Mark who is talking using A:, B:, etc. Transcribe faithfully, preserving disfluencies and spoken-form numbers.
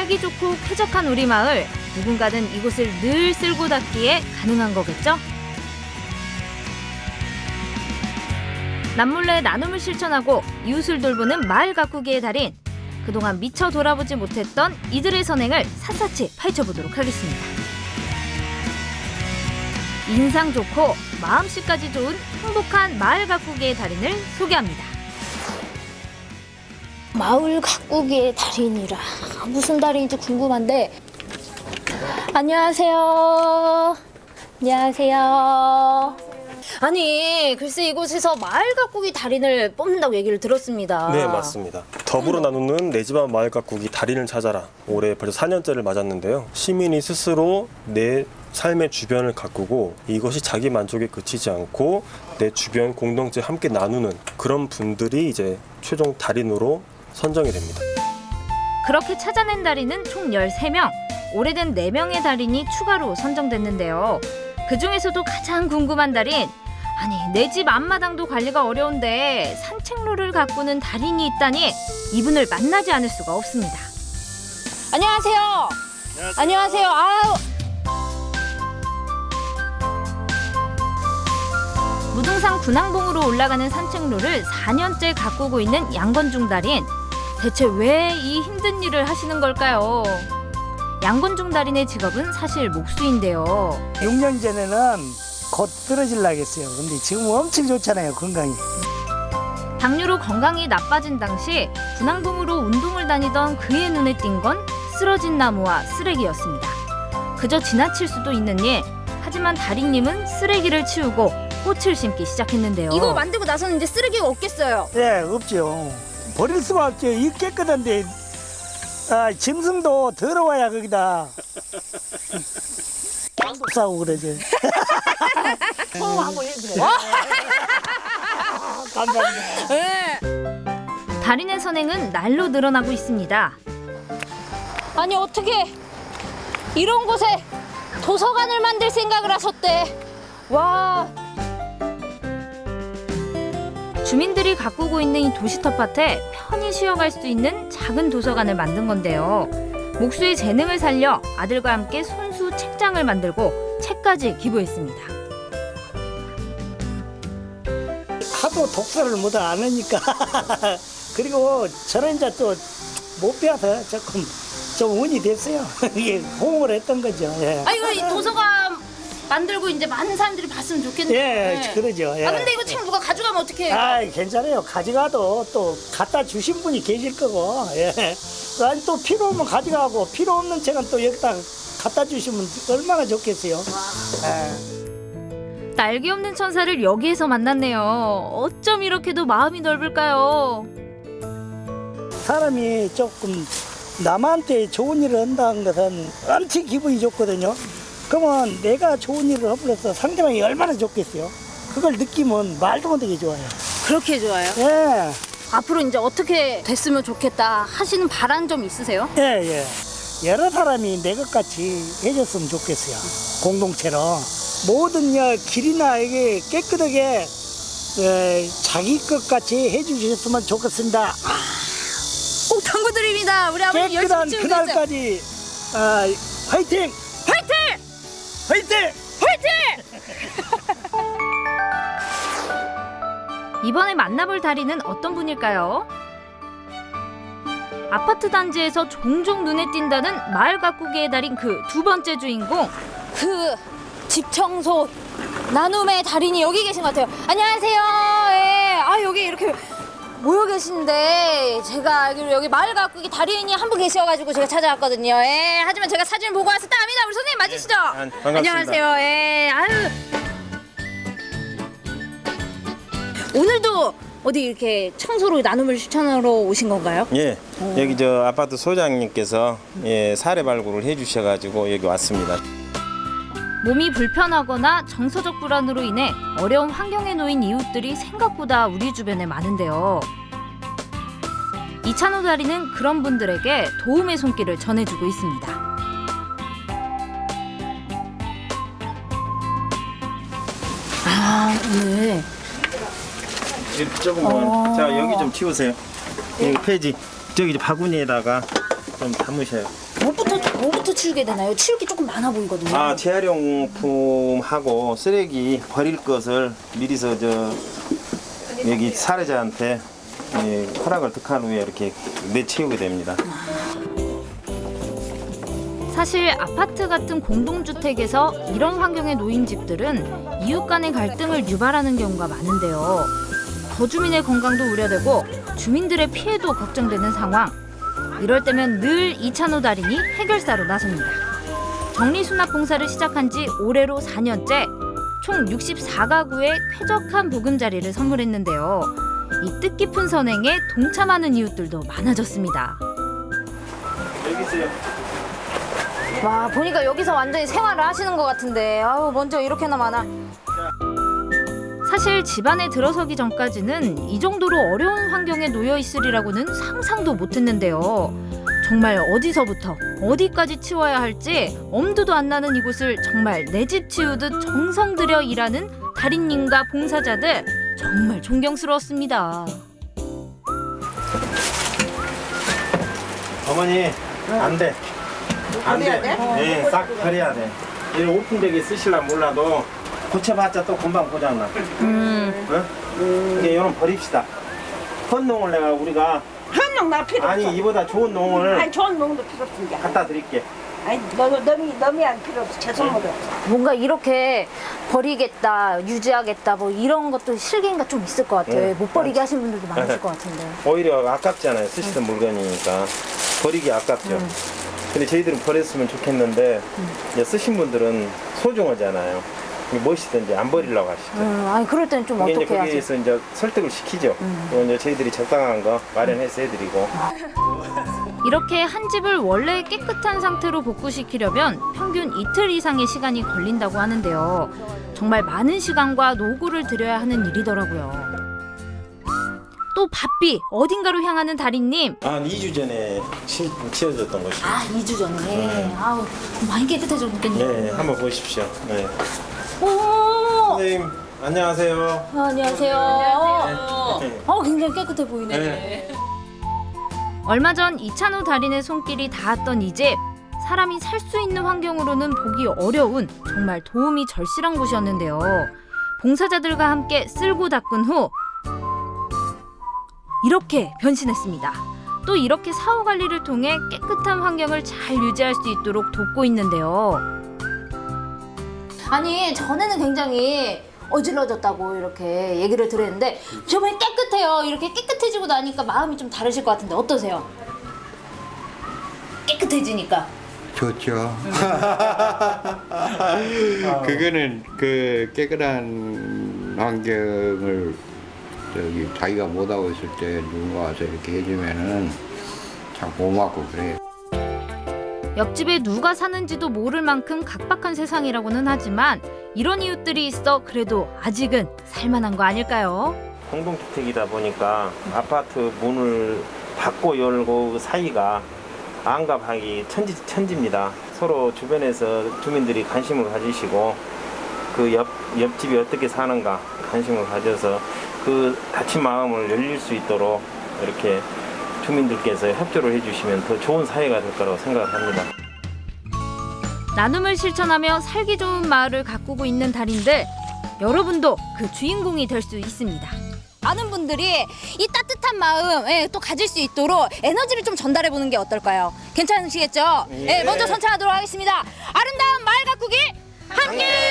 A: 살기 좋고 쾌적한 우리 마을, 누군가는 이곳을 늘 쓸고 닦기에 가능한 거겠죠? 남몰래 나눔을 실천하고 이웃을 돌보는 마을 가꾸기의 달인. 그동안 미처 돌아보지 못했던 이들의 선행을 샅샅이 파헤쳐보도록 하겠습니다. 인상 좋고 마음씨까지 좋은 행복한 마을 가꾸기의 달인을 소개합니다.
B: 마을 가꾸기의 달인이라 무슨 달인인지 궁금한데. 안녕하세요. 안녕하세요. 아니, 글쎄 이곳에서 마을 가꾸기 달인을 뽑는다고 얘기를 들었습니다.
C: 네, 맞습니다. 더불어 나누는 내 집안 마을 가꾸기 달인을 찾아라. 올해 벌써 사 년째를 맞았는데요. 시민이 스스로 내 삶의 주변을 가꾸고 이것이 자기 만족에 그치지 않고 내 주변 공동체 함께 나누는 그런 분들이 이제 최종 달인으로 선정이 됩니다.
A: 그렇게 찾아낸 달인은 총 열세 명, 오래된 네 명의 달인이 추가로 선정됐는데요. 그 중에서도 가장 궁금한 달인, 아니 내 집 앞마당도 관리가 어려운데 산책로를 가꾸는 달인이 있다니 이분을 만나지 않을 수가 없습니다.
B: 안녕하세요. 안녕하세요. 아유.
A: 무등산 군항봉으로 올라가는 산책로를 사 년째 가꾸고 있는 양건중 달인. 대체 왜 이 힘든 일을 하시는 걸까요? 양건중 달인의 직업은 사실 목수인데요.
D: 육 년 전에는 곧 떨어지려고 했어요. 근데 지금 엄청 좋잖아요, 건강이.
A: 당뇨로 건강이 나빠진 당시 군항봉으로 운동을 다니던 그의 눈에 띈 건 쓰러진 나무와 쓰레기였습니다. 그저 지나칠 수도 있는 일, 하지만 달인님은 쓰레기를 치우고 꽃을 심기 시작했는데요.
B: 이거 만들고 나서는 이제 쓰레기가 없겠어요.
D: 네, 없죠. 버릴 수가 없죠. 이 깨끗한데 아, 짐승도 더러워야 거기다 빵도 싸고 그러죠. 처음 한번 해주세요. 감사합니다.
B: 네.
A: 달인의 선행은 날로 늘어나고 있습니다.
B: 아니 어떻게 이런 곳에 도서관을 만들 생각을 하셨대. 와.
A: 주민들이 가꾸고 있는 이 도시 텃밭에 편히 쉬어갈 수 있는 작은 도서관을 만든 건데요. 목수의 재능을 살려 아들과 함께 손수 책장을 만들고 책까지 기부했습니다.
D: 하도 독서를 못 안 하니까 그리고 저는 이제 또 못 배워서 조금 좀 운이 됐어요. 이게 호응을 했던 거죠. 예.
B: 아 이거 이 도서관 만들고 이제 많은 사람들이 봤으면 좋겠는데.
D: 예, 그러죠. 예.
B: 아 근데 이거 책 누가 가져가면 어떡해요?
D: 아, 괜찮아요. 가져가도 또 갖다 주신 분이 계실 거고, 예. 아니 또 필요 없으면 가져가고 필요 없는 책은 또 여기다 갖다 주시면 얼마나 좋겠어요. 예.
A: 날개 없는 천사를 여기에서 만났네요. 어쩜 이렇게도 마음이 넓을까요?
D: 사람이 조금 남한테 좋은 일을 한다는 것은 엄청 기분이 좋거든요. 그러면 내가 좋은 일을 해버려서 상대방이 얼마나 좋겠어요. 그걸 느끼면 말도 못하게 좋아요.
B: 그렇게 좋아요?
D: 예,
B: 앞으로 이제 어떻게 됐으면 좋겠다 하시는 바람 좀 있으세요?
D: 예, 예. 여러 사람이 내 것 같이 해줬으면 좋겠어요. 공동체로. 모든 여 길이나 이게 깨끗하게 에, 자기 것 같이 해주셨으면 좋겠습니다.
B: 꼭 당부드립니다. 우리 아버님 열심히
D: 깨끗한
B: 치우고 있어요.
D: 그날까지 아, 화이팅!
B: 화이팅!
D: 화이팅!
B: 화이팅!
A: 이번에 만나볼 달인은 어떤 분일까요? 아파트 단지에서 종종 눈에 띈다는 마을 가꾸기의 달인 그 두 번째 주인공.
B: 그 집 청소 나눔의 달인이 여기 계신 것 같아요. 안녕하세요. 예. 아 여기 이렇게 모여 계신데 제가 알기로 여기 마을 가꾸기 달인이 한 분 계셔가지고 제가 찾아왔거든요. 예. 하지만 제가 사진을 보고 와서 딱 압니다. 우리 선생님 맞으시죠?
C: 네, 반갑습니다.
B: 안녕하세요. 예. 아유. 오늘도 어디 이렇게 청소로 나눔을 실천하러 오신 건가요?
E: 예, 여기 저 아파트 소장님께서 예, 사례 발굴을 해주셔가지고 여기 왔습니다.
A: 몸이 불편하거나 정서적 불안으로 인해 어려운 환경에 놓인 이웃들이 생각보다 우리 주변에 많은데요. 이찬호 달인은 그런 분들에게 도움의 손길을 전해주고 있습니다.
B: 아 오늘
E: 조금 어... 자 여기 좀 치우세요. 여기 폐지 저기 바구니에다가 좀 담으셔요.
B: 뭐부터 뭐부터 치우게 되나요? 치울 게 조금 많아 보이거든요.
E: 아, 재활용품하고 쓰레기 버릴 것을 미리서 저 여기 사례자한테 예, 허락을 득한 후에 이렇게 내치우게 됩니다.
A: 사실 아파트 같은 공동주택에서 이런 환경에 놓인 집들은 이웃 간의 갈등을 유발하는 경우가 많은데요. 거주민의 건강도 우려되고 주민들의 피해도 걱정되는 상황. 이럴 때면 늘 이찬호 달인이 해결사로 나섭니다. 정리수납 봉사를 시작한 지 올해로 사 년째, 총 육십사 가구에 쾌적한 보금자리를 선물했는데요. 이 뜻깊은 선행에 동참하는 이웃들도 많아졌습니다.
E: 여기 있어요.
B: 와, 보니까 여기서 완전히 생활을 하시는 것 같은데. 아우, 먼저 이렇게나 많아.
A: 사실 집안에 들어서기 전까지는 이 정도로 어려운 환경에 놓여 있으리라고는 상상도 못했는데요. 정말 어디서부터 어디까지 치워야 할지 엄두도 안 나는 이곳을 정말 내 집 치우듯 정성 들여 일하는 달인님과 봉사자들, 정말 존경스러웠습니다.
E: 어머니, 안 돼. 안 돼. 네, 싹 버려야 돼. 이 오픈되게 쓰실라 몰라도 고쳐봤자 또 금방 고장나.
A: 음,
E: 어? 이게 이런 버립시다. 헌 농을 내가 우리가
F: 한농 나 필요 없어.
E: 아니 이보다 좋은 농을
F: 아니 좋은 농도 필요 없으니까.
E: 갖다 드릴게.
F: 아니 너무 너무 너무 안 필요 없어. 죄송합니다.
B: 뭔가 이렇게 버리겠다, 유지하겠다, 뭐 이런 것도 실기가 좀 있을 것 같아요.
E: 네.
B: 못 버리게 하시는 분들도 많으실 것 같은데.
E: 오히려 아깝잖아요. 쓰시던 물건이니까 버리기 아깝죠. 근데 저희들은 버렸으면 좋겠는데 이제 쓰신 분들은 소중하잖아요. 무엇이든지 안 버리려고 하시죠.
B: 음, 아니 그럴 때는 좀
E: 이게 이제
B: 어떻게 하세요?
E: 거기에서 이제 설득을 시키죠. 그리고 이제 저희들이 적당한 거 마련해서 해드리고.
A: 이렇게 한 집을 원래 깨끗한 상태로 복구시키려면 평균 이틀 이상의 시간이 걸린다고 하는데요. 정말 많은 시간과 노고를 들여야 하는 일이더라고요. 또 바삐 어딘가로 향하는 달인님.
E: 한 이 주 전에 치, 치워졌던 것이.
B: 아, 이 주 전에.
E: 네.
B: 아우, 많이 깨끗해졌겠네요.
E: 네, 한번 보십시오. 네.
B: 오!
E: 선생님, 안녕하세요.
B: 아, 안녕하세요.
E: 네.
B: 어, 굉장히 깨끗해 보이네.
E: 네.
A: 얼마 전 이찬호 달인의 손길이 닿았던 이 집. 사람이 살 수 있는 환경으로는 보기 어려운 정말 도움이 절실한 곳이었는데요. 봉사자들과 함께 쓸고 닦은 후 이렇게 변신했습니다. 또 이렇게 사후 관리를 통해 깨끗한 환경을 잘 유지할 수 있도록 돕고 있는데요.
B: 아니, 전에는 굉장히 어질러졌다고 이렇게 얘기를 들었는데 저번에 깨끗해요. 이렇게 깨끗해지고 나니까 마음이 좀 다르실 것 같은데 어떠세요? 깨끗해지니까.
G: 좋죠. 그거는 그 깨끗한 환경을 저기 자기가 못하고 있을 때 누군가 와서 이렇게 해주면은 참 고맙고 그래요.
A: 옆집에 누가 사는지도 모를 만큼 각박한 세상이라고는 하지만 이런 이웃들이 있어 그래도 아직은 살만한 거 아닐까요?
E: 공동주택이다 보니까 아파트 문을 닫고 열고 그 사이가 안갑하기 천지, 천지입니다. 서로 주변에서 주민들이 관심을 가지시고 그 옆, 옆집이 어떻게 사는가 관심을 가져서 그 닫힌 마음을 열릴 수 있도록 이렇게 주민들께서 협조를 해주시면 더 좋은 사회가 될 거라고 생각을 합니다.
A: 나눔을 실천하며 살기 좋은 마을을 가꾸고 있는 달인들, 여러분도 그 주인공이 될 수 있습니다.
B: 많은 분들이 이 따뜻한 마음 예, 또 가질 수 있도록 에너지를 좀 전달해 보는 게 어떨까요? 괜찮으시겠죠? 예,
E: 예.
B: 먼저 선창하도록 하겠습니다. 아름다운 마을 가꾸기 함께!